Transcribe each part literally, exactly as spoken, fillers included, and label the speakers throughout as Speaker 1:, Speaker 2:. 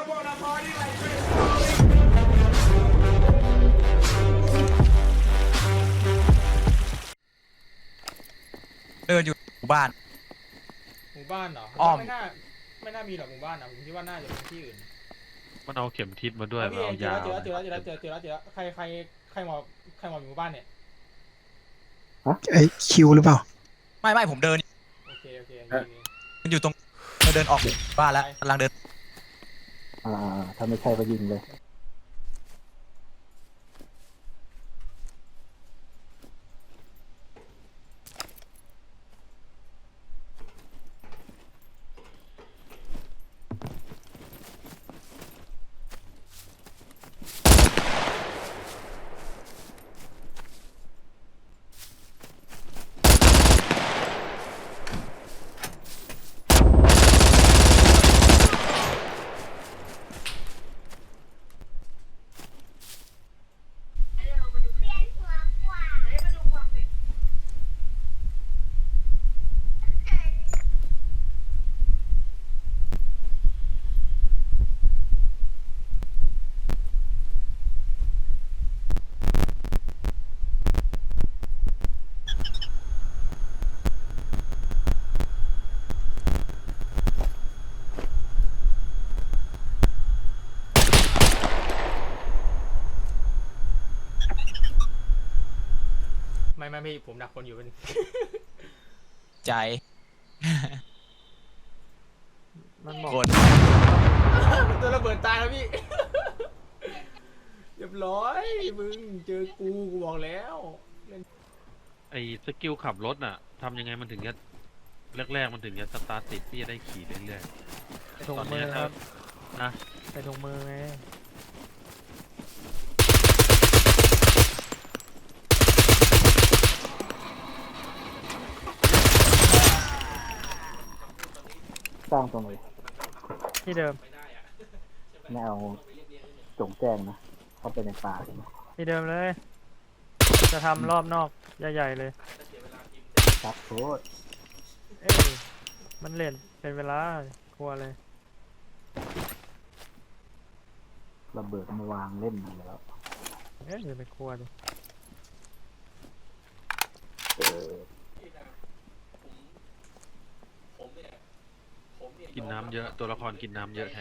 Speaker 1: เดินอยู่หมู่บ้าน
Speaker 2: หมู่บ้านเหรอ
Speaker 1: อ้อม
Speaker 2: ไม่น่าไม่น่ามีหรอกหมู่บ้านนะผมคิดว่าน่าจะเป็นที่อื่น
Speaker 3: มันเอาเข็มทิศมาด้วย
Speaker 2: เอา
Speaker 3: มัน
Speaker 2: พี่
Speaker 3: เอา
Speaker 2: เจอย
Speaker 3: า
Speaker 2: แล้วเจอแล้วเจอแล้วเจอแล้วเจอแล้วเจอแล้วเจอแล้วใครใครใครหมอบใครหมอบอยู่หมู่บ้านเนี่ย
Speaker 4: ไอคิวหรือเปล่า
Speaker 1: ไม่ไม่ผมเดิน
Speaker 2: โอเคโอเคโอเค
Speaker 1: มันอยู่ตรงเดินออกหมู่บ้านแล้วกำลังเดิน
Speaker 5: อ่าถ้าไม่ใช่ก็ยิงเลย
Speaker 2: ไม่ไม่พี่ผมดักคนอยู่เป็น
Speaker 1: ใจ
Speaker 2: มันบอก
Speaker 1: กด
Speaker 2: ตัวระเบิดตายแล้วพี่ เรียบร้อยมึงเจอกูกูบอกแล้ว
Speaker 3: ไอ้สกิลขับรถน่ะทำยังไงมันถึงจะแรกๆมันถึงจะสตาร์ทติดที่จะได้ขี่เรื่อย
Speaker 6: ใส่ถุงมือครับ
Speaker 3: ๆนะ
Speaker 6: ใส่ถุงมือไง
Speaker 5: สร้างตรงเลย
Speaker 6: ที่เดิม
Speaker 5: ไม่เอาจงแจ้งนะ เข้าไปในป่าใช่ไหม
Speaker 6: ที่เดิมเลย จะทำรอบนอกใหญ่ๆเลย
Speaker 5: ครับโทษ
Speaker 6: เอ้ยมันเล่นเป็นเวลากลัวเลย
Speaker 5: ระเบิดมาวางเล่นมาแล้ว
Speaker 6: เอ้ยอย่าไปกลัวดิ
Speaker 5: เออ
Speaker 3: กินน้ำเยอะตัวละครกินน้ำเยอะแท้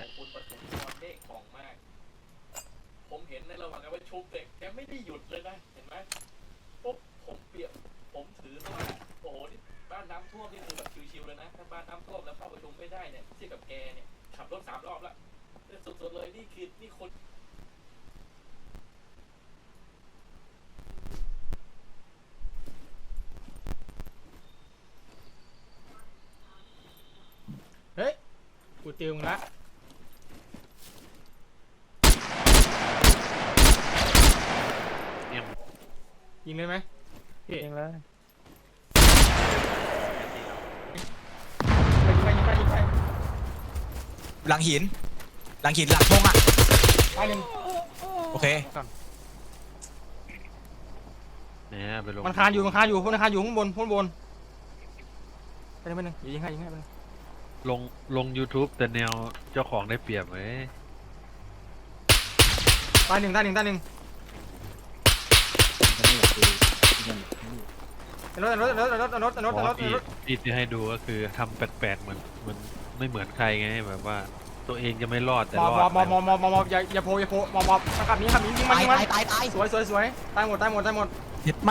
Speaker 7: ผมเห็นในระหว่างการประชุมเด็กแกไม่ได้หยุดเลยนะเห็นไหมปุ๊บผมเปรียบผมถือว่าโอ้โหนี่บ้านน้ำท่วมนี่คือแบบชิวๆเลยนะถ้าบ้านน้ำท่วมแล้วเข้าประชุมไม่ได้เนี่ยเทียบกับแกเนี่ยขับรถสามรอบละสุดๆเลยนี่คือนี่คน
Speaker 2: เฮ้ยกูติวมึงละ
Speaker 3: เอี่ยม
Speaker 2: ยิงเลยไหมพี่
Speaker 6: ยิงเลย
Speaker 2: ไปยิงไปยิงไปยิงไป
Speaker 1: หลังหิน หลังหินหลังพงอ่ะ
Speaker 2: ตายหนึ่ง
Speaker 1: โอเค
Speaker 3: เนี่ยไปลง
Speaker 2: มันคานอยู่มันคานอยู่พวกมันคานอยู่ข้างบนข้างบนไปหนึ่งไปหนึ่งอย่ายิงให้ยิงให้ไปหนึ่ง
Speaker 3: ลงลง YouTube แต่แนวเจ้าของได้เปรียบไหม
Speaker 2: ตายหนึ่งตายหนึ่งตายหนึ่ง
Speaker 5: มันก็ไม่อยากดูที่มัน
Speaker 2: รถรถรถรถรถรถรถ
Speaker 3: อ๋
Speaker 2: ร
Speaker 3: อ
Speaker 2: ถ
Speaker 3: ที่
Speaker 2: รถ
Speaker 3: ที่ที่ให้ดูก็คือทำแปลกๆเหมือนมันไม่เหมือนใครไงแบบว่า ตัวเองจะไม่รอดแต่
Speaker 2: มอ
Speaker 3: ร
Speaker 2: บ
Speaker 3: อด
Speaker 2: มอบมอบมอบมอบมอบอย่าอย่าโผล่อย่าโผล่มอบมอบขับนี้ขับนี้ยิงมัน
Speaker 1: ตาย
Speaker 2: ยิงมัน
Speaker 1: ตายตายตาย
Speaker 2: สวยสวยสวยตายหมดตายหมดตายหมด
Speaker 1: เห็ดไหม